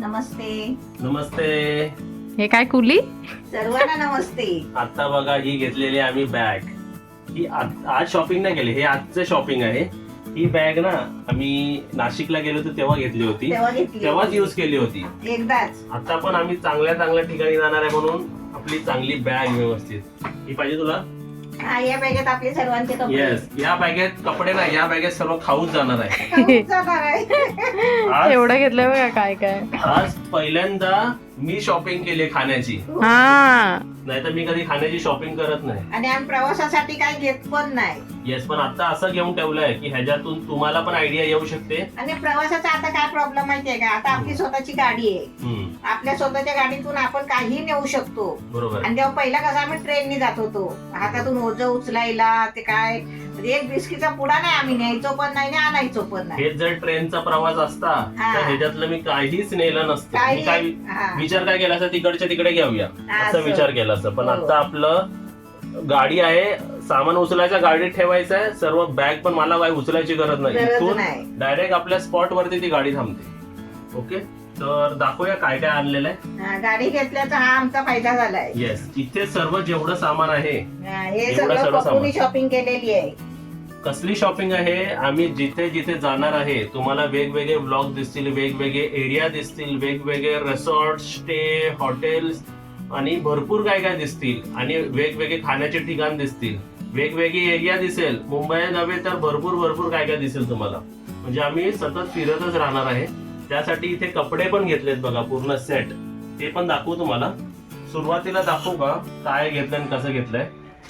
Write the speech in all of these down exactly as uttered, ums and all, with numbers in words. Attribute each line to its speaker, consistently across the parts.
Speaker 1: नमस्ते.
Speaker 2: नमस्ते.
Speaker 3: हे काय कुली?
Speaker 1: सर्वांना नमस्ते.
Speaker 2: आता बघा ही घेतलेली आम्ही बॅग. ही आज आज शॉपिंग नाही केली, हे आजचं शॉपिंग आहे. ही बॅग ना आम्ही नाशिकला गेलो होतो तेव्हा घेतली होती,
Speaker 1: तेव्हा घेतली
Speaker 2: तेव्हाच
Speaker 1: होती.
Speaker 2: यूज केली होती.
Speaker 1: एकदाच.
Speaker 2: आता पण आम्ही चांगल्या चांगल्या ठिकाणी जाणार आहे म्हणून आपली चांगली बॅग व्यवस्थित. ही पाहिजे तुला?
Speaker 1: हा, या बॅगेत आपले सर्वांचे कपडे.
Speaker 2: येस, या बॅगेत कपडे नाही, या बॅगेत सर्व खाऊच जाणार आहे.
Speaker 1: खाऊन जाणार आहे.
Speaker 2: आज
Speaker 3: एवढं घेतलंय बघा काय काय.
Speaker 2: आज पहिल्यांदा मी शॉपिंग केली खाण्याची,
Speaker 3: हा
Speaker 2: नाही तर मी कधी खाण्याची शॉपिंग करत नाही.
Speaker 1: आणि आम्ही प्रवासासाठी काय घेत पण नाही.
Speaker 2: येस, पण आता असं घेऊन ठेवलंय की ह्याच्यातून तुम्हाला पण आयडिया येऊ शकते.
Speaker 1: आणि प्रवासाचा आता काय प्रॉब्लेम माहितीये का, आता आपली स्वतःची गाडी आहे.
Speaker 2: हम्म,
Speaker 1: आपल्या स्वतःच्या गाडीतून आपण काही नेऊ शकतो.
Speaker 2: बरोबर.
Speaker 1: आणि जेव्हा पहिला कसं आम्ही ट्रेननी जात होतो, हातातून ओझं उचलायला ते काय म्हणजे एक बिस्कीचा पुडा नाही आम्ही न्यायचो पण नाही आणि आणायचो पण नाही.
Speaker 2: हे जर ट्रेनचा प्रवास असता
Speaker 1: हा.
Speaker 2: तर ह्याच्यातलं मी काहीच नेलं नसतं. मी
Speaker 1: काही-
Speaker 2: काय
Speaker 1: हा.
Speaker 2: विचार काय केला असता, तिकडच्या तिकडे घेऊया
Speaker 1: हा,
Speaker 2: असं
Speaker 1: असं.
Speaker 2: विचार केला असतं. पण
Speaker 1: हो.
Speaker 2: आता आपलं गाडी आहे, सामान उचलायचं गाडीत ठेवायचं आहे, सर्व बॅग पण मला काही उचलायची गरज नाही.
Speaker 1: गरज
Speaker 2: इथून
Speaker 1: नाही.
Speaker 2: डायरेक्ट आपल्या स्पॉट वरती ती गाडी थांबते. ओके, तर दाखवूया काय काय आणलेलं आहे.
Speaker 1: हा, गाडी घेतल्याचा हा आमचा फायदा झालाय.
Speaker 2: येस, इथे सर्व जेवढं सामान आहे,
Speaker 1: हा, हे
Speaker 2: एवढं
Speaker 1: सगळं
Speaker 2: सर्व
Speaker 1: पप्पूनी
Speaker 2: सामान.
Speaker 1: शॉपिंग केलेली आहे.
Speaker 2: कसली शॉपिंग आहे, आम्ही जिथे जिथे जाणार आहे तुम्हाला वेगवेगळे ब्लॉग दिसतील, वेगवेगळे एरिया दिसतील, वेगवेगळे रिसॉर्ट, स्टे, हॉटेल्स आणि भरपूर काय काय दिसतील. आणि वेगवेगळे खाण्याचे ठिकाण दिसतील, वेगवेगळी एरिया दिसेल. मुंबई नव्हे तर भरपूर भरपूर काय काय दिसेल तुम्हाला. म्हणजे आम्ही सतत फिरतच राहणार आहे. त्यासाठी इथे कपडे पण घेतलेत बघा, पूर्ण सेट. ते पण दाखवू तुम्हाला. सुरुवातीला दाखवू का काय घेतलंय आणि कसं घेतलंय.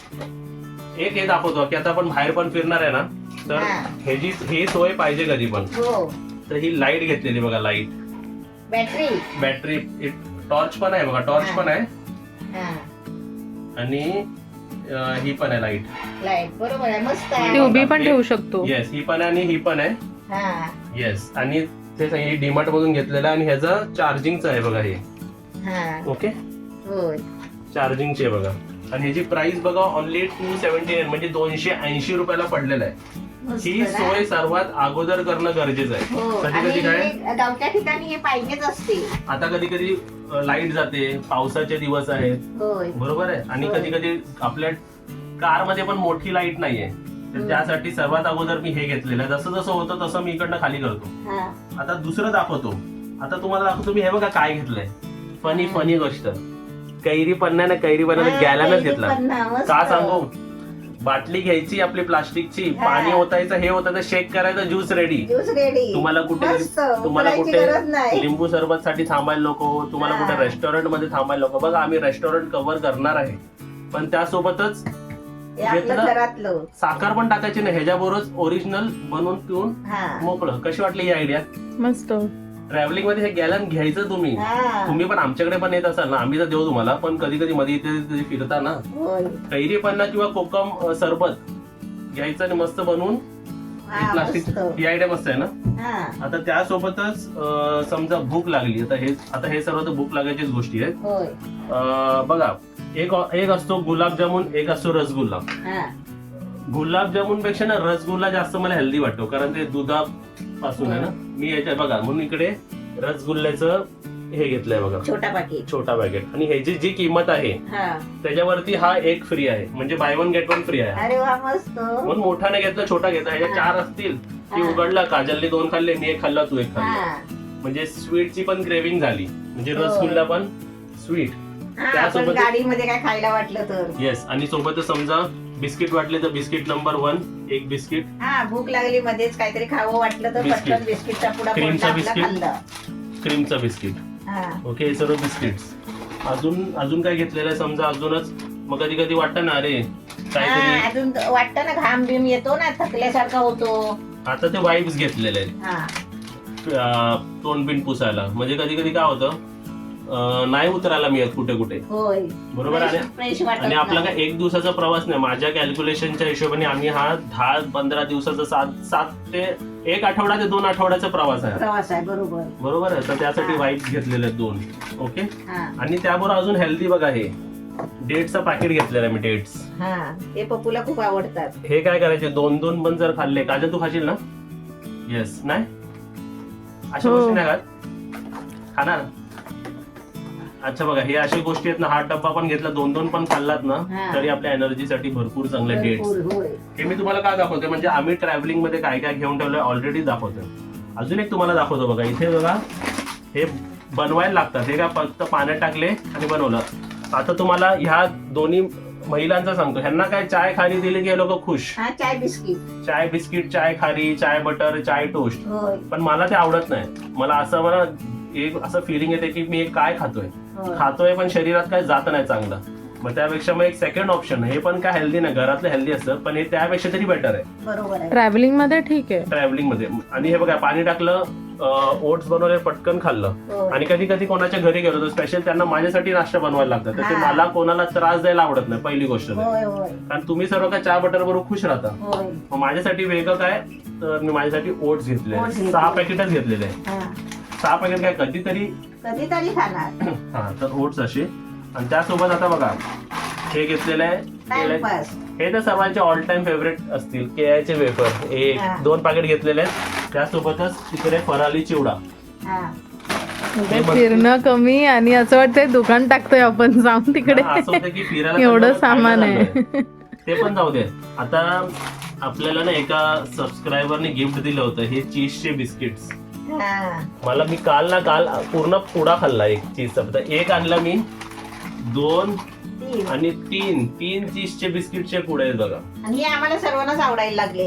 Speaker 2: एक हे दाखवतो की आता आपण बाहेर पण फिरणार आहे ना, तर
Speaker 1: हा.
Speaker 2: ह्याची ही सोय पाहिजे कधी पण.
Speaker 1: हो,
Speaker 2: तर ही लाईट घेतलेली बघा, लाईट,
Speaker 1: बॅटरी.
Speaker 2: बॅटरी, टॉर्च पण आहे बघा, टॉर्च
Speaker 1: हा.
Speaker 2: पण आहे.
Speaker 1: हा,
Speaker 2: आणि अं, ही पण आहे लाईट.
Speaker 1: लाईट बरोबर आहे, मस्त
Speaker 3: ती
Speaker 1: आहे.
Speaker 3: उभी पण ठेवू शकतो.
Speaker 2: येस, ही पण आहे आणि ही पण आहे.
Speaker 1: हा,
Speaker 2: येस, आणि ते सांगितलं डीमार्ट मधून घेतलेलं आहे. आणि ह्याचं चार्जिंगचं आहे बघा हे.
Speaker 1: हा,
Speaker 2: ओके,
Speaker 1: होय.
Speaker 2: चार्जिंगचे बघा. आणि ह्याची प्राइस बघा ओनली टू सेव्हन्टी नाईन, म्हणजे दोनशे ऐंशी रुपयाला पडलेलं आहे.
Speaker 1: मस्त
Speaker 2: ही
Speaker 1: ना?
Speaker 2: सोय सर्वात अगोदर करणं गरजेचं आहे.
Speaker 1: हो,
Speaker 2: कधी
Speaker 1: आणि
Speaker 2: कधी काय
Speaker 1: हे गावच्या ठिकाणी हे पाहिजेच असते.
Speaker 2: आता कधी कधी लाईट जाते, पावसाचे दिवस आहेत,
Speaker 1: होय.
Speaker 2: बरोबर आहे. आणि
Speaker 1: होय.
Speaker 2: कधी कधी आपल्या कार मध्ये पण मोठी लाईट नाहीये, तर
Speaker 1: हम्म.
Speaker 2: त्यासाठी सर्वात अगोदर मी हे घेतलेलं आहे. जसं जसं होतं तसं मी इकडनं खाली करतो.
Speaker 1: हा,
Speaker 2: आता दुसरं दाखवतो. आता तुम्हाला दाखवतो मी. हे बघा काय घेतलंय. फनी फनी गोष्ट, कैरी पन्नाने कैरी पन्नाने
Speaker 1: हा,
Speaker 2: गॅलनच
Speaker 1: कैरी
Speaker 2: घेतला.
Speaker 1: पन्ना, मस्त.
Speaker 2: का सांगू, बाटली घ्यायची आपली प्लास्टिकची,
Speaker 1: हा.
Speaker 2: पाणी ओतायचं, हे होतं शेक करायचं, ज्यूस रेडी.
Speaker 1: Juice ready.
Speaker 2: तुम्हाला कुठे
Speaker 1: मस्त,
Speaker 2: तुम्हाला
Speaker 1: उकळायची
Speaker 2: कुठे
Speaker 1: गरज नाही.
Speaker 2: लिंबू सरबत साठी थांबायला नको, तुम्हाला
Speaker 1: हा.
Speaker 2: कुठे रेस्टॉरंट मध्ये थांबायला नको. बघा आम्ही रेस्टॉरंट कव्हर करणार आहे, पण त्यासोबतच
Speaker 1: हे आपलं
Speaker 2: घेतलं.
Speaker 1: घरातलं.
Speaker 2: साखर पण टाकायची नाही, ह्याच्याबरोबर ओरिजिनल बनवून पिऊन
Speaker 1: हा,
Speaker 2: मोकळं. कशी वाटली ही आयडिया?
Speaker 3: मस्त.
Speaker 2: ट्रॅव्हलिंग मध्ये हे गॅलन घ्यायचं तुम्ही.
Speaker 1: हा,
Speaker 2: तुम्ही पण आमच्याकडे पण येत असाल ना, आम्ही तर देऊ तुम्हाला. पण कधी कधी मध्ये इथे तिथे फिरता ना,
Speaker 1: होय.
Speaker 2: कैरी पन्ना किंवा कोकम अ, सरबत घ्यायचं आणि मस्त बनवून
Speaker 1: हा,
Speaker 2: प्लास्टिक.
Speaker 1: मस्त.
Speaker 2: ही आयडिया मस्त आहे ना.
Speaker 1: हा,
Speaker 2: आता त्यासोबतच अ, समजा भूक लागली, आता हे आता हे सर्व तर भूक लागायचीच गोष्टी आहेत.
Speaker 1: होय.
Speaker 2: अ, बघा, एक एक असतो गुलाबजामुन, एक असतो रसगुल्ला.
Speaker 1: हा,
Speaker 2: गुलाबजामुन पेक्षा ना रसगुल्ला जास्त मला हेल्दी वाटतो, कारण ते दुधापासून आहे ना. मी याच्या बघा म्हणून इकडे रसगुल्ल्याचं हे घेतलंय बघा,
Speaker 1: छोटा पाकिट.
Speaker 2: छोटा पॅकेट. आणि ह्याची जी किंमत आहे
Speaker 1: हा,
Speaker 2: त्याच्यावरती हा एक फ्री आहे, म्हणजे buy one get one free आहे.
Speaker 1: अरे वा, मस्त.
Speaker 2: म्हणून मोठा नाही घेतला, छोटा घेतला. ह्याच्या चार असतील की
Speaker 1: हा.
Speaker 2: उघडला, काजलने दोन खाल्ले, मी एक खाल्ला, तू एक खाल्ला.
Speaker 1: हा,
Speaker 2: म्हणजे स्वीटची पण क्रेविंग झाली, म्हणजे
Speaker 1: हो.
Speaker 2: रसगुल्ला पण स्वीट.
Speaker 1: हा, आपण
Speaker 2: त्यासोबत-
Speaker 1: गाडीमध्ये काय खायला वाटलं तर.
Speaker 2: येस, आणि सोबतच समजा बिस्किट वाटले तर बिस्किट नंबर वन, एक बिस्किट.
Speaker 1: हा, भूक लागली मध्येच काहीतरी खावं वाटलं तर
Speaker 2: बिस्किट.
Speaker 1: पटकन बिस्किटचा पुडा
Speaker 2: क्रीमचं
Speaker 1: फोडला, आपला
Speaker 2: बिस्किट.
Speaker 1: खाल्लं.
Speaker 2: क्रीमचं बिस्किट.
Speaker 1: हा,
Speaker 2: ओके, हे सर्व बिस्किट्स. अजून अजून काय घेतलेलं आहे समजा, अजूनच मग कधी कधी वाटतं ना, अरे
Speaker 1: हा,
Speaker 2: काहीतरी.
Speaker 1: अजून वाटतं ना, घाम बिम येतो ना, थकल्यासारखा होतो.
Speaker 2: आता ते वाईप्स घेतलेले आहेत
Speaker 1: हा,
Speaker 2: अं, तोंडबिंड पुसायला. म्हणजे कधी कधी काय होतं, अं, नाही उतरायला मिळत कुठे कुठे,
Speaker 1: होय.
Speaker 2: बरोबर आहे.
Speaker 1: फ्रेश वाटत
Speaker 2: आणि आपला
Speaker 1: नाही.
Speaker 2: काय एक दिवसाचा प्रवास नाही. माझ्या कॅल्क्युलेशनच्या हिशोबाने आम्ही हा दहा पंधरा दिवसाचा, सात सात ते एक आठवडा ते दोन आठवड्याचा प्रवास आहे,
Speaker 1: प्रवास आहे, बरोबर.
Speaker 2: बरोबर आहे. तर त्यासाठी
Speaker 1: हा.
Speaker 2: वाईप्स घेतलेले आहेत दोन. ओके,
Speaker 1: हा,
Speaker 2: आणि त्याबरोबर अजून हेल्दी बघा, हे डेट्सचं पॅकेट घेतलेलं आहे मी, डेट्स.
Speaker 1: हा, हे पप्पूला खूप आवडतात.
Speaker 2: हे काय करायचे, दोन दोन पण जर खाल्ले, काजल तू खाशील ना? येस, नाही अशा
Speaker 3: हो.
Speaker 2: गोष्टी नाही खात. खाणार? अच्छा बघा, हे अशा गोष्टी आहेत ना, हा डब्बा पण घेतला, दोन दोन पण खाल्लात ना
Speaker 1: हा.
Speaker 2: तरी आपल्या एनर्जीसाठी भरपूर चांगले डेट्स.
Speaker 1: भरपूर, होय.
Speaker 2: हे मी तुम्हाला काय दाखवतोय म्हणजे आम्ही ट्रॅव्हलिंग मध्ये काय काय घेऊन ठेवलंय ऑलरेडी दाखवतोय. अजून एक तुम्हाला दाखवतो बघा, इथे बघा हे बनवायला लागतात. हे काय फक्त पाण्यात टाकले आणि बनवलं. आता तुम्हाला ह्या दोन्ही महिलांचा सांगतो, ह्यांना काय चाय खारी दिली की हे लोक खुश.
Speaker 1: हा, चाय बिस्किट.
Speaker 2: चाय बिस्किट, चाय खारी, चाय बटर, चाय टोस्ट.
Speaker 1: होय,
Speaker 2: पण मला ते आवडत नाही. मला असं मला एक असं फिलिंग येते की मी हे काय खातोय
Speaker 1: होय.
Speaker 2: खातोय पण शरीरात काय जात नाही चांगलं. मग त्यापेक्षा मग एक सेकंड ऑप्शन, हे पण काय हेल्दी नाही, घरातलं हेल्दी असतं पण हे त्यापेक्षा तरी बेटर आहे
Speaker 1: बरोबर आहे.
Speaker 3: ट्रॅव्हलिंग मध्ये ठीक आहे.
Speaker 2: ट्रॅव्हलिंग मध्ये. आणि हे बघा, पाणी टाकलं, ओट्स बनवले, पटकन खाल्लं.
Speaker 1: होय.
Speaker 2: आणि कधी कधी कोणाच्या घरी गेलो तर स्पेशल त्यांना माझ्यासाठी नाश्ता बनवायला लागतं, तर ते
Speaker 1: हा.
Speaker 2: मला कोणाला त्रास द्यायला आवडत नाही पहिली गोष्ट तर.
Speaker 1: होय होय
Speaker 2: कारण तुम्ही सर्व काय चहा बटर बरोबर खुश राहता.
Speaker 1: होय.
Speaker 2: मग माझ्यासाठी वेगळं काय, तर मी माझ्यासाठी ओट्स घेतले,
Speaker 1: Oats घेतले.
Speaker 2: सहा पॅकेटच घेतलेले आहे.
Speaker 1: हा,
Speaker 2: सहा पॅकेट काय कधीतरी
Speaker 1: कधीतरी खाणार.
Speaker 2: हा, तर ओट्स असे. आणि त्यासोबत आता बघा हे घेतलेलं आहे,
Speaker 1: टाइमपास.
Speaker 2: हे तर सर्वांचे ऑल टाइम फेवरेट असतील, केळ्याचे वेफर.
Speaker 1: हा.
Speaker 2: एक दोन पॅकेट घेतलेले आहेत. त्यासोबतच तिकडे फराली चिवडा.
Speaker 1: हा,
Speaker 3: म्हणजे फिरणं कमी आणि असं वाटतंय दुकान टाकतोय आपण जाऊन तिकडे.
Speaker 2: हा, असं होतं की फिरायला
Speaker 3: एवढं
Speaker 2: चाललो,
Speaker 3: सामान
Speaker 2: खायला
Speaker 3: आहे.
Speaker 2: चाललोय. ते पण जाऊ दे. आता आपल्याला ना एका सबस्क्रायबरने गिफ्ट दिलं होतं हे चीजचे बिस्किट्स.
Speaker 1: हा.
Speaker 2: मला मी काल ना काल पूर्ण पुडा खाल्ला एक चीजचा. एक आणला मी, दोन
Speaker 1: तीन.
Speaker 2: आणि तीन तीन चीजचे बिस्किटचे पुडे आहेत बघा.
Speaker 1: आणि हे आम्हाला सर्वांनाच आवडायला लागले.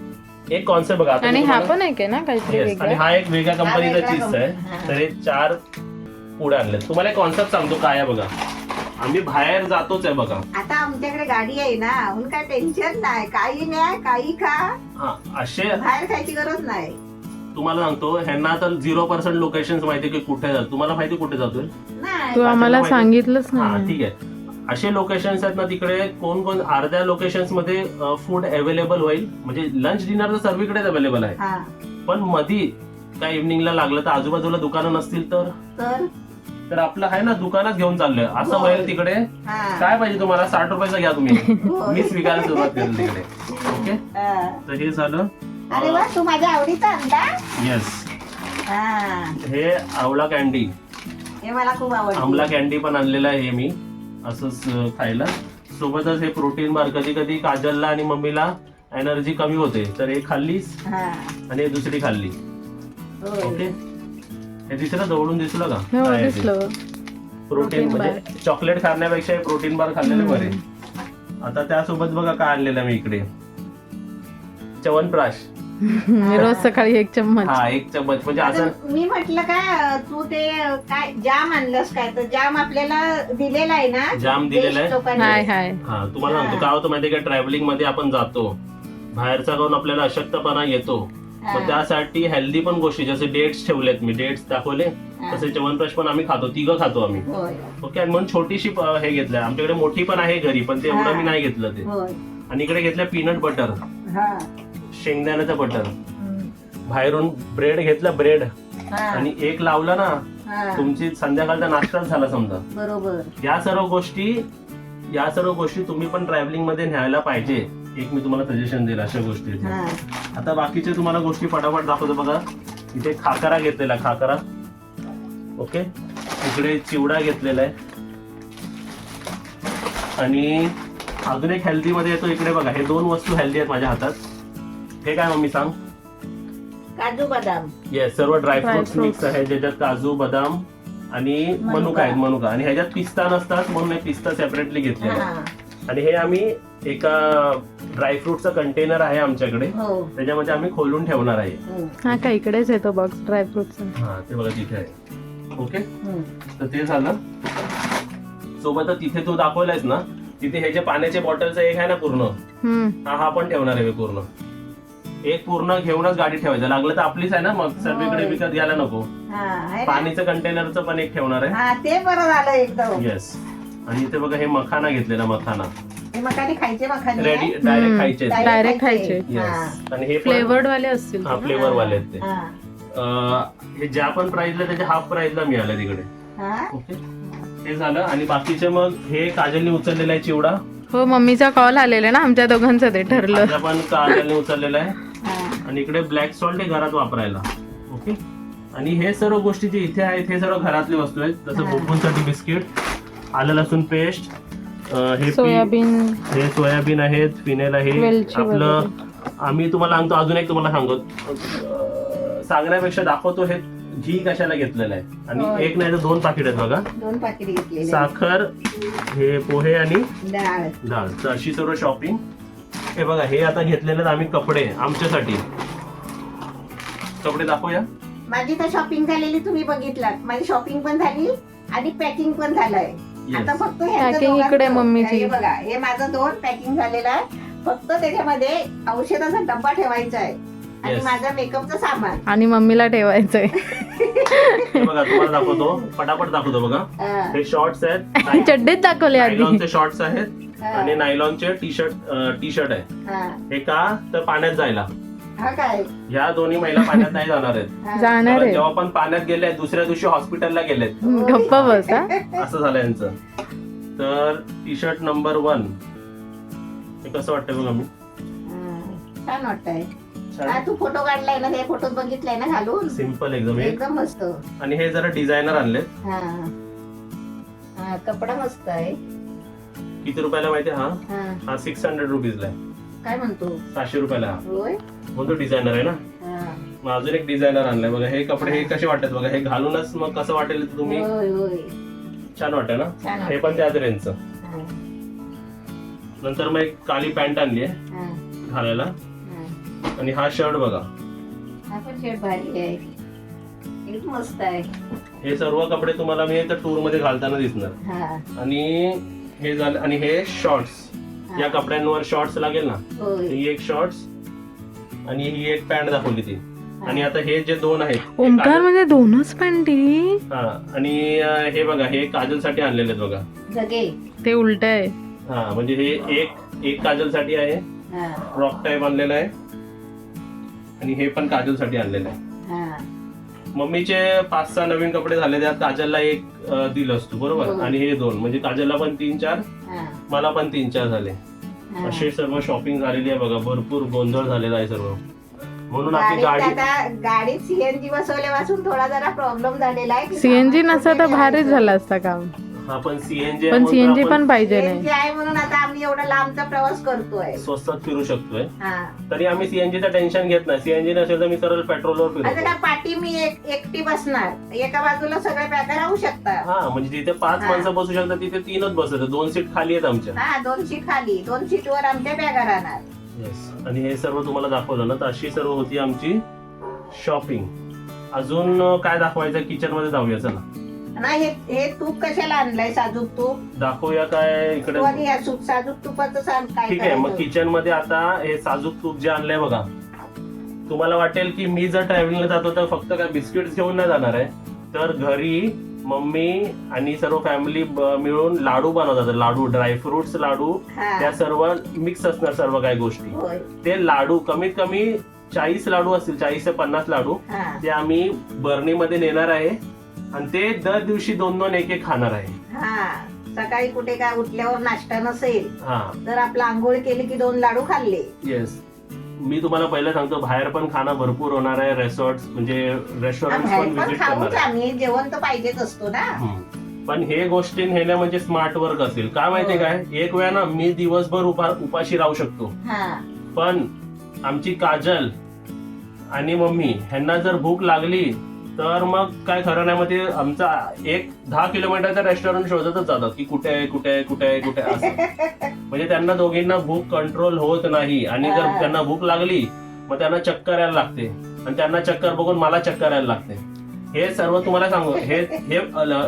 Speaker 2: एक कॉन्सेप्ट बघा आता
Speaker 3: आणि
Speaker 2: मी
Speaker 3: हा
Speaker 2: तुम्हाला-
Speaker 3: पण आहे का ना काहीतरी
Speaker 2: Yes, आणि
Speaker 3: वेगळं.
Speaker 2: हा एक वेगळ्या कंपनीचा
Speaker 1: वेगळा
Speaker 2: चीज आहे.
Speaker 1: कंपनी, हा.
Speaker 2: तर हे चार पुढे आणले. तुम्हाला एक कॉन्सेप्ट सांगतो काय आहे बघा. आम्ही बाहेर जातोच आहे बघा.
Speaker 1: आता आमच्याकडे गाडी आहे ना, म्हणून काय टेन्शन नाही. काही नाही, काही खा,
Speaker 2: हा, असे
Speaker 1: बाहेर खायची गरज नाही.
Speaker 2: तुम्हाला सांगतो, ह्यांना तर झिरो पर्सेंट लोकेशन माहिती की कुठे जातो. तुम्हाला माहिती कुठे जातोय?
Speaker 1: नाही.
Speaker 3: तू आम्हाला
Speaker 2: माहिती-
Speaker 3: सांगितलंच
Speaker 2: हा,
Speaker 3: नाही.
Speaker 2: ठीक आहे. असे लोकेशन्स आहेत ना तिकडे, कोण कोण अर्ध्या लोकेशन्स मध्ये फूड अवेलेबल होईल, म्हणजे लंच डिनर तर सर्वीकडेच अवेलेबल आहे.
Speaker 1: हा,
Speaker 2: पण मधी काय इव्हनिंगला लागलं तर आजूबाजूला दुकानं नसतील तर
Speaker 1: तर
Speaker 2: तर आपलं आहे ना दुकानात घेऊन चाललोय असं
Speaker 1: हो.
Speaker 2: होईल तिकडे.
Speaker 1: हा.
Speaker 2: काय पाहिजे तुम्हाला, साठ रुपयाचा घ्या तुम्ही.
Speaker 1: होय.
Speaker 2: मीच विकायला सुरुवात केली तिकडे. ओके,
Speaker 1: हा.
Speaker 2: तर हे झालं.
Speaker 1: अरे वा, तू माझ्या आवडीचा आणला.
Speaker 2: येस,
Speaker 1: हा,
Speaker 2: हे आवळा कॅन्डी,
Speaker 1: हे मला खूप आवडतं.
Speaker 2: आमला कॅन्डी पण आणलेला आहे हे मी असंच अं, खायला. सोबतच हे प्रोटीन बार. कधी कधी काजलला आणि मम्मीला एनर्जी कमी होते तर हे खाल्लीस
Speaker 1: हा,
Speaker 2: आणि हे दुसरी खाल्ली.
Speaker 1: होय.
Speaker 2: ओके, हे दिसलं जवळून दिसलं का
Speaker 3: हो
Speaker 2: काय आहे ते?
Speaker 3: दिसलं.
Speaker 2: प्रोटीन
Speaker 3: Protein
Speaker 2: म्हणजे चॉकलेट खाण्यापेक्षा हे प्रोटीन बार खाल्लेले बरे. आता त्यासोबत बघा काय आणलेलं मी इकडे, च्यवनप्राश.
Speaker 3: मी रोज सकाळी एक चम्मच.
Speaker 2: हा, एक चम्मच. म्हणजे असं
Speaker 1: आता मी म्हटलं काय तू ते काय जाम आणलंस काय, तर जाम आपल्याला दिलेला आहे ना.
Speaker 2: जाम दिलेला आहे.
Speaker 1: देश लोकांनी.
Speaker 3: हाय हाय.
Speaker 2: हा, तुम्हाला सांगतो काय होतं माहितीये का, ट्रॅव्हलिंग मध्ये आपण जातो, बाहेरचा खाऊन आपल्याला अशक्तपणा येतो.
Speaker 1: हा.
Speaker 2: मग त्यासाठी हेल्दी पण गोष्टी, जसे डेट्स ठेवलेत मी, डेट्स दाखवले
Speaker 1: हा.
Speaker 2: तसे च्यवनप्राश पण आम्ही खातो, तिघं खातो आम्ही.
Speaker 1: होय
Speaker 2: ओके, आणि म्हणून छोटीशी प- हे घेतलंय. आमच्याकडे मोठी पण आहे घरी, पण ते एवढं
Speaker 1: हा.
Speaker 2: मी नाही घेतलं ते.
Speaker 1: होय.
Speaker 2: आणि इकडे घेतलं पीनट बटर,
Speaker 1: हा.
Speaker 2: शेंगदाण्याचं बटर.
Speaker 1: हम्म.
Speaker 2: बाहेरून ब्रेड घेतलं, ब्रेड.
Speaker 1: हा.
Speaker 2: आणि एक लावला ना,
Speaker 1: हा.
Speaker 2: तुमची संध्याकाळचा नाश्ताच झाला समजा.
Speaker 1: बरोबर.
Speaker 2: या सर्व गोष्टी या सर्व गोष्टी तुम्ही पण ट्रॅव्हलिंग मध्ये न्यायला पाहिजे. एक मी तुम्हाला सजेशन दिलं अशा गोष्टी.
Speaker 1: हा.
Speaker 2: आता बाकीचे तुम्हाला गोष्टी फटाफट दाखवतो बघा. इथे खाकरा घेतलेला, खाकरा. ओके, इकडे चिवडा घेतलेला आहे. आणि अजून एक हेल्दी मध्ये येतो इकडे बघा. हे दोन वस्तू हेल्दी आहेत माझ्या हातात. हे काय मम्मी सांग?
Speaker 1: काजू बदाम.
Speaker 2: येस, सर्व ड्रायफ्रुट्स
Speaker 3: Dry
Speaker 2: मिक्स आहे, ज्याच्यात काजू, बदाम आणि
Speaker 1: मनुका.
Speaker 2: मनुका आहेत, मनुका. आणि ह्याच्यात पिस्ता नसतात म्हणून हे पिस्ता सेपरेटली घेतलेला आहे.
Speaker 1: हा.
Speaker 2: आणि हे आम्ही एका ड्रायफ्रुटचं कंटेनर आहे आमच्याकडे,
Speaker 1: हो.
Speaker 2: त्याच्यामध्ये आम्ही खोलून ठेवणार आहे.
Speaker 1: हम्म.
Speaker 3: हा का इकडेच येतो बॉक्स ड्रायफ्रुटचा.
Speaker 2: हा, ते बघा तिथे आहे. ओके,
Speaker 1: हम्म.
Speaker 2: तर ते झालं. सोबतच तिथे तू दाखवलायस ना, तिथे हे जे पाण्याचे बॉटलचं एक आहे ना पूर्ण,
Speaker 3: हम्म.
Speaker 2: हा हा पण ठेवणार आहे मी पूर्ण. एक पूर्ण घेऊनच गाडी ठेवायचं, लागलं तर आपलीच आहे ना, मग सर्वीकडे
Speaker 1: होय.
Speaker 2: विकत घ्यायला नको.
Speaker 1: हा, आहे ना?
Speaker 2: पाणीचं कंटेनरचं पण एक ठेवणार आहे.
Speaker 1: हा, ते बरं झालं एकदम.
Speaker 2: येस. आणि इथे बघा हे मखाना घेतलेला, मखाना
Speaker 1: हे मखाने खायचे मखाने
Speaker 2: रेडी
Speaker 1: आहे?
Speaker 2: डायरेक्ट
Speaker 3: हम्म.
Speaker 2: खायचे.
Speaker 3: Direct खायचे.
Speaker 2: येस. आणि हे
Speaker 3: फ्लेवर्ड वाले असतील
Speaker 2: हा,
Speaker 3: ते ना?
Speaker 2: फ्लेवर वाले आहेत ते.
Speaker 1: हा.
Speaker 2: अं, हे ज्या पण प्राइसला त्याच्या हाफ प्राइसला मिळालं तिकडे.
Speaker 1: हा.
Speaker 2: ओके, हे झालं. आणि बाकीचे मग हे काजलने उचललेला आहे चिवडा.
Speaker 3: हो मम्मीचा कॉल आलेला ना, आमच्या दोघांचं ते ठरलं.
Speaker 2: माझा पण काजलने उचललेला आहे.
Speaker 1: हा.
Speaker 2: आणि इकडे ब्लॅक सॉल्ट आहे घरात वापरायला. ओके, आणि हे सर्व गोष्टी जे इथे आहेत हे सर्व घरातली वस्तू आहेत. जसं
Speaker 1: हा.
Speaker 2: बुबूंसाठी बिस्किट, आलं लसूण पेस्ट, हे पी-
Speaker 3: सोयाबीन
Speaker 2: हे सोयाबीन आहेत, फिनेल आहे
Speaker 3: वेलची
Speaker 2: आपलं. आम्ही तुम्हाला सांगतो, अजून एक तुम्हाला सांगतो, अं, सांगण्यापेक्षा दाखवतो हे घी कशाला घेतलेलं आहे. आणि
Speaker 1: होय.
Speaker 2: एक नाही तर दोन पाकिट आहेत बघा.
Speaker 1: दोन पाकिट घेतलेले
Speaker 2: साखर, हे पोहे आणि
Speaker 1: डाळ.
Speaker 2: डाळ. तर अशी सर्व शॉपिंग. हे बघा, हे आता घेतलेले आहेत आम्ही कपडे आमच्यासाठी. कपडे दाखवूया.
Speaker 1: माझी तर शॉपिंग झालेली तुम्ही बघितलात. माझी शॉपिंग पण झाली आणि पॅकिंग पण झालंय.
Speaker 2: Yes.
Speaker 1: आता फक्त ह्यांचं
Speaker 3: Packing
Speaker 1: दोघांचं-
Speaker 3: इकडे मम्मीची.
Speaker 1: हे बघा, हे माझं दोन पॅकिंग झालेलं आहे. फक्त त्याच्यामध्ये औषधाचा डब्बा ठेवायचा आहे आणि
Speaker 2: Yes.
Speaker 1: माझा मेकअपचं सामान.
Speaker 3: आणि मम्मीला ठेवायचंय.
Speaker 2: हे बघा, तुम्हाला दाखवतो, पटापट दाखवतो बघा.
Speaker 1: हा,
Speaker 2: हे शॉर्ट्स आहेत,
Speaker 3: चड्डीत दाखवले आधी.
Speaker 2: नायलॉनचे शॉर्ट्स आहेत
Speaker 1: हा,
Speaker 2: आणि नायलॉनचे टी शर्ट टी शर्ट आहे.
Speaker 1: हा.
Speaker 2: हे का तर पाण्यात जायला.
Speaker 1: हा काय
Speaker 2: ह्या दोन्ही महिला पाण्यात नाही जाणार आहेत.
Speaker 1: हा.
Speaker 3: जाणार
Speaker 2: कारण
Speaker 3: आहे.
Speaker 2: जेव्हा पण पाण्यात गेले दुसऱ्या दिवशी हॉस्पिटलला गेलेत.
Speaker 3: गप्प बस हा.
Speaker 2: असं झालं यांचं. तर टी शर्ट नंबर वन हे कसं वाटतंय बघा. मी
Speaker 1: हा, छान वाटतंय. हा, तू फोटो काढलाय ना, ते फोटोत बघितलाय ना घालून.
Speaker 2: सिम्पल एकदम. एक
Speaker 1: एकदम मस्त.
Speaker 2: आणि हे जरा डिझायनर आणलेत.
Speaker 1: हा हा, कपडा मस्त आहे.
Speaker 2: किती रुपयाला माहिती हा
Speaker 1: हा,
Speaker 2: हा सिक्स हंड्रेड रुपीजला आहे.
Speaker 1: काय म्हणतो?
Speaker 2: सहाशे रुपयाला हा.
Speaker 1: होय.
Speaker 2: म्हणतो डिझायनर आहे ना.
Speaker 1: हा.
Speaker 2: मग अजून एक डिझायनर आणलाय बघा. हे कपडे हे कसे वाटतात बघा. हे घालूनच मग कसं वाटेल ते तुम्ही.
Speaker 1: होय होय,
Speaker 2: छान वाटतं ना.
Speaker 1: छान
Speaker 2: हे पण त्याच रेंजचं.
Speaker 1: हा,
Speaker 2: नंतर मग एक काळी पॅन्ट आणली आहे
Speaker 1: हा,
Speaker 2: घालायला.
Speaker 1: हा.
Speaker 2: आणि हा शर्ट बघा.
Speaker 1: हा पण शेड भारी आहे. एकदम मस्त आहे.
Speaker 2: हे सर्व कपडे तुम्हाला मी टूर मध्ये घालताना दिसणार.
Speaker 1: हा,
Speaker 2: आणि हे झालं. आणि हे शॉर्ट्स.
Speaker 1: हा.
Speaker 2: या कपड्यांवर शॉर्ट्स लागेल ना.
Speaker 1: होय.
Speaker 2: ही एक शॉर्ट्स आणि ही एक पॅन्ट दाखवली ती. आणि आता हे जे दोन आहेत हे
Speaker 3: ओमकार
Speaker 2: काजल-
Speaker 3: म्हणजे दोनच पॅन्टी.
Speaker 2: हा. आणि अं, हे बघा, हे काजलसाठी आणलेले आहेत बघा.
Speaker 1: जगे.
Speaker 3: ते उलट आहे.
Speaker 2: हा, म्हणजे हे एक एक काजलसाठी आहे.
Speaker 1: हा,
Speaker 2: फ्रॉक टाईप आणलेला आहे. आणि हे पण काजलसाठी आणलेलं आहे.
Speaker 1: हा,
Speaker 2: मम्मीचे पाच सहा नवीन कपडे झाले, त्यात काजलला एक अं, दिलं असतो बरोबर.
Speaker 1: हो.
Speaker 2: आणि हे दोन, म्हणजे काजलला पण तीन चार,
Speaker 1: हा,
Speaker 2: मला पण तीन चार झाले.
Speaker 1: हा.
Speaker 2: अशी सर्व शॉपिंग झालेली आहे बघा. भरपूर गोंधळ झालेला आहे सर्व. म्हणून आपली
Speaker 1: गाडीत
Speaker 2: गाडी
Speaker 1: आता गाडीत सीएनजी बसवल्यापासून थोडा जरा प्रॉब्लेम झालेला आहे की
Speaker 3: सीएनजी
Speaker 1: सामान
Speaker 3: नसता तर
Speaker 1: कुठे
Speaker 3: भारीच
Speaker 1: ठेवायचं.
Speaker 3: झालं असतं काम.
Speaker 2: हा पण सीएनजी
Speaker 3: पण सीएनजी पण पाहिजे नाही.
Speaker 1: सीएनजी आहे म्हणून आता आम्ही एवढा लांबचा प्रवास करतोय.
Speaker 2: स्वस्तात फिरू शकतोय.
Speaker 1: हा,
Speaker 2: तरी आम्ही सीएनजीचं टेन्शन घेत नाही. सीएनजी नसेल तर मी सरळ पेट्रोलवर
Speaker 1: आता
Speaker 2: फिरतो.
Speaker 1: काय पाठी मी एक एकटी बसणार, एका बाजूला सगळे बॅगा राहू शकतात.
Speaker 2: हा, म्हणजे जिथे पाच
Speaker 1: हा.
Speaker 2: माणसं बसू शकतात तिथे तीनच बसतात. दोन सीट खाली आहेत आमच्या.
Speaker 1: हा, दोन सीट खाली, दोन सीट वर आमच्या बॅगा राहणार.
Speaker 2: येस. आणि हे सर्व तुम्हाला दाखवलं ना, तर अशी सर्व होती आमची शॉपिंग. अजून अं, काय दाखवायचं किचन मध्ये जाऊया चला.
Speaker 1: नाही, हे हे तूप कशाला आणलंय? साजूक तूप.
Speaker 2: दाखवूया काय इकडे.
Speaker 1: तू आणि या सूप साजूक तुपाचं सांग काय
Speaker 2: ठीक आहे. मग
Speaker 1: करायचं.
Speaker 2: किचन मध्ये आता हे साजूक तूप जे आणलंय बघा. तुम्हाला वाटेल की मी जर ट्रॅव्हलिंगला जातो तर फक्त काय बिस्किट्स घेऊन नाही जाणार आहे. तर घरी मम्मी आणि सर्व फॅमिली मिळून लाडू बनवतात. लाडू, ड्रायफ्रुट्स लाडू,
Speaker 1: हा,
Speaker 2: त्या सर्व मिक्स असणार सर्व काही गोष्टी.
Speaker 1: होय.
Speaker 2: ते लाडू कमीत कमी चाळीस लाडू असतील, चाळीस ते पन्नास लाडू.
Speaker 1: हा,
Speaker 2: ते आम्ही बर्नीमध्ये नेणार आहे आणि ते दर दिवशी दोन दोन एक एक खाणार आहे.
Speaker 1: हा. सकाळी कुठे काय उठल्यावर नाश्ता नसेल
Speaker 2: हा,
Speaker 1: तर आपला आंघोळ केली की दोन लाडू खाल्ले.
Speaker 2: येस. मी तुम्हाला पहिलं सांगतो, बाहेर पण खाणं भरपूर होणार आहे. रेसॉर्ट म्हणजे रेस्टॉरंट
Speaker 1: बाहेर
Speaker 2: पण
Speaker 1: पण
Speaker 2: विजिट करणार
Speaker 1: खाऊच
Speaker 2: आहे.
Speaker 1: आम्ही, जेवण तर पाहिजेच असतो ना.
Speaker 2: हम्म. पण हे गोष्टी नेणं म्हणजे स्मार्ट वर्क असेल. काय माहितीये काय, एक वेळा ना मी दिवसभर उपा उपाशी राहू शकतो.
Speaker 1: हा,
Speaker 2: पण आमची काजल आणि मम्मी ह्यांना जर भूक लागली तर मग काय खरं नाही. मग ते आमचा एक दहा किलोमीटरचा रेस्टॉरंट शोधतच जातात की कुठे आहे कुठे आहे कुठे आहे कुठे आहे असं. म्हणजे त्यांना दोघींना भूक कंट्रोल होत नाही. आणि जर
Speaker 1: हा.
Speaker 2: त्यांना भूक लागली मग त्यांना चक्कर यायला लागते. आणि त्यांना चक्कर बघून मला चक्कर यायला लागते. हे सर्व तुम्हाला सांगू, हे हे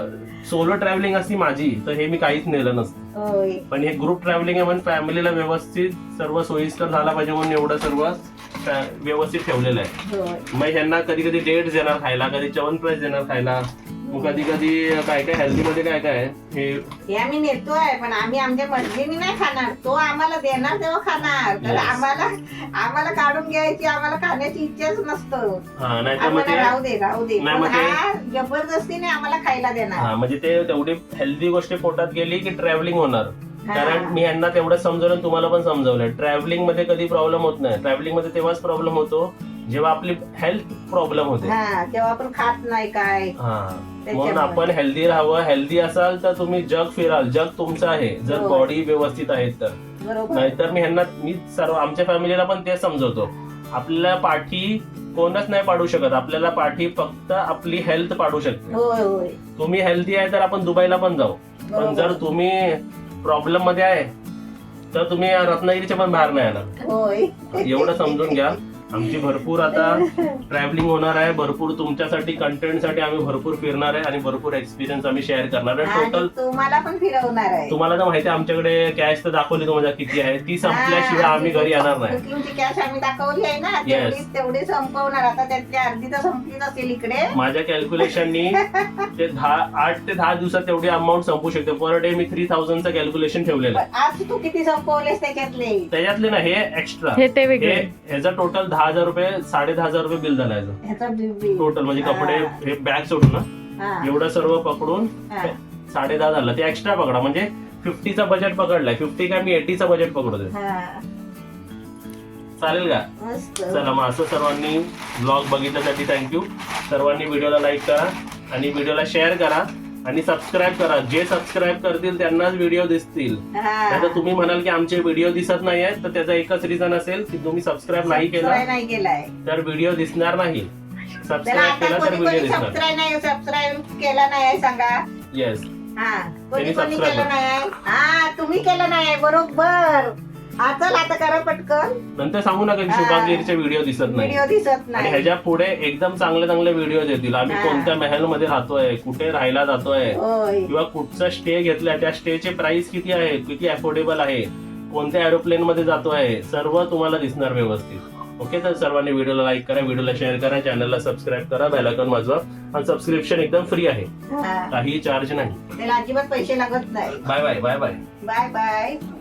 Speaker 2: सोलो ट्रॅव्हलिंग असती माझी तर हे मी काहीच नेलं नसतं.
Speaker 1: होय.
Speaker 2: पण हे ग्रुप ट्रॅव्हलिंग आहे म्हणून फॅमिलीला व्यवस्थित सर्व सोयीस्कर झाला पाहिजे म्हणून एवढं सर्व फॅ- व्यवस्थित ठेवलेलं आहे.
Speaker 1: होय.
Speaker 2: मग ह्यांना कधी कधी डेट्स देणार खायला, कधी च्यवनप्राश देणार खायला, मग कधी कधी काय काय हेल्दी मध्ये काय काय आहे हे
Speaker 1: हे आम्ही नेतोय, पण आम्ही आमच्या मर्जीने नाही खाणार. तो आम्हाला देणार तेव्हा खाणार. तर
Speaker 2: Yes.
Speaker 1: आम्हाला आम्हाला काढून घ्यायची, आम्हाला खाण्याची इच्छाच नसतं.
Speaker 2: हा नाही तर मग
Speaker 1: आम्हाला
Speaker 2: ते
Speaker 1: राहू दे राहू दे,
Speaker 2: नाही
Speaker 1: पण
Speaker 2: मग ते-
Speaker 1: हा जबरदस्तीने आम्हाला खायला देणार.
Speaker 2: हा म्हणजे ते तेवढी हेल्दी गोष्ट पोटात गेली की ट्रॅव्हलिंग होणार.
Speaker 1: हा.
Speaker 2: कारण मी यांना तेवढं समजवलं, तुम्हाला पण समजवलं. ट्रॅव्हलिंग मध्ये कधी प्रॉब्लेम होत नाही. ट्रॅव्हलिंग मध्ये तेव्हाच प्रॉब्लेम होतो जेव्हा आपली हेल्थ प्रॉब्लेम होते
Speaker 1: हा जेव्हा आपण खात नाही काय
Speaker 2: हा म्हणून
Speaker 1: त्याच्यामुळे.
Speaker 2: आपण हेल्दी राहावं. हेल्दी असाल तर तुम्ही जग फिराल. जग तुमचं आहे जर
Speaker 1: होय.
Speaker 2: बॉडी व्यवस्थित आहे तर.
Speaker 1: बरोबर
Speaker 2: नाहीतर मी ह्यांना मी सर्व आमच्या फॅमिलीला पण तेच समजवतो, आपल्याला पाठी कोणच नाही पाडू शकत. आपल्याला पाठी फक्त आपली हेल्थ पाडू शकते.
Speaker 1: होय होय
Speaker 2: तुम्ही हेल्दी आहे तर आपण दुबईला पण जाऊ, पण
Speaker 1: बरोबर.
Speaker 2: जर तुम्ही प्रॉब्लेम मध्ये आहे तर तुम्ही रत्नागिरीच्या पण बाहेर नाही येणार.
Speaker 1: होय
Speaker 2: एवढं समजून घ्या. आमची भरपूर आता ट्रॅव्हलिंग होणार आहे, भरपूर तुमच्यासाठी कंटेंटसाठी आम्ही भरपूर फिरणार आहे आणि भरपूर एक्सपिरियन्स आम्ही शेअर करणार आहे.
Speaker 1: आणि
Speaker 2: टोटल
Speaker 1: तुम्हाला पण फिरवणार आहे.
Speaker 2: तुम्हाला तर माहिती आहे आमच्याकडे कॅश तर दाखवली तुम्हाला किती आहे, ती संपल्याशिवाय आम्ही घरी येणार नाही.
Speaker 1: बुकिंगची कॅश आम्ही दाखवली आहे ना, तेवढी तेवढी संपवणार. आता त्यातली अर्धी तर संपलीच असेल इकडे.
Speaker 2: माझ्या कॅल्क्युलेशननी ते दहा आठ ते दहा दिवसात तेवढी अमाऊंट संपू शकते. पर डे मी थ्री थाउजंडचं कॅल्क्युलेशन ठेवलेलं आहे.
Speaker 1: पण आज तू किती संपवलेस त्याच्यातले?
Speaker 2: त्याच्यातले ना हे एक्स्ट्रा,
Speaker 3: हे ते
Speaker 2: हे
Speaker 3: वेगळे.
Speaker 2: ह्याचा टोटल दहा हजार रुपये साडे दहा हजार रुपये बिल झालं याचं
Speaker 1: ह्याचा बिल
Speaker 2: टोटल. म्हणजे कपडे हे बॅग सोडून ना एवढं सर्व पकडून साडे दहा झालं. ते एक्स्ट्रा पकडा म्हणजे फिफ्टीचा बजेट पकडलाय. फिफ्टी काय मी एटीचा बजेट पकडतोय. चालेल का?
Speaker 1: मस्त.
Speaker 2: चला मग असं सर्वांनी ब्लॉग बघितल्यासाठी थँक्यू. सर्वांनी व्हिडिओला लाईक करा आणि व्हिडिओला शेअर करा आणि सबस्क्राईब करा. जे सबस्क्राईब करतील त्यांनाच व्हिडिओ दिसतील.
Speaker 1: हा.
Speaker 2: तर तुम्ही म्हणाल की आमचे व्हिडिओ दिसत नाही आहेत, तर त्याचा एकच रिझन असेल की तुम्ही सबस्क्राईब नाही केला
Speaker 1: सबस्क्राईब नाही केलाय
Speaker 2: तर व्हिडिओ दिसणार नाही.
Speaker 1: त्याला
Speaker 2: सबस्क्राईब
Speaker 1: आता
Speaker 2: केला तर
Speaker 1: कोणी
Speaker 2: व्हिडिओ
Speaker 1: कोणी
Speaker 2: दिसणार.
Speaker 1: सबस्क्राईब नाही सबस्क्राईब केला नाही सांगा.
Speaker 2: येस,
Speaker 1: हा
Speaker 2: त्यांनी
Speaker 1: कोणी कोणी
Speaker 2: subscribe
Speaker 1: केलं नाही. हा तुम्ही केलं नाही बरोबर. हा चल आता करा पटकन.
Speaker 2: नंतर सांगू नका की शुभांगीरचे व्हिडिओ दिसत नाही.
Speaker 1: व्हिडिओ दिसत
Speaker 2: आणि
Speaker 1: नाही.
Speaker 2: ह्याच्या पुढे एकदम चांगले चांगले व्हिडिओ येतील. आम्ही
Speaker 1: हा.
Speaker 2: कोणत्या महल मध्ये राहतोय, कुठे राहायला जातोय,
Speaker 1: होय
Speaker 2: किंवा कुठचा स्टे घेतलाय, त्या स्टेचे प्राइस किती आहे, किती अफोर्डेबल आहे, कोणत्या एरोप्लेन मध्ये जातोय, सर्व तुम्हाला दिसणार व्यवस्थित. ओके, तर सर्वांनी व्हिडिओला लाईक करा, व्हिडिओला शेअर करा, चॅनलला सबस्क्राईब करा, बेल आयकॉन वाजवा. आणि सबस्क्रिप्शन एकदम फ्री आहे,
Speaker 1: हा.
Speaker 2: काही चार्ज नाही.
Speaker 1: त्याला अजिबात पैसे लागत नाही.
Speaker 2: Bye bye bye bye
Speaker 1: bye bye.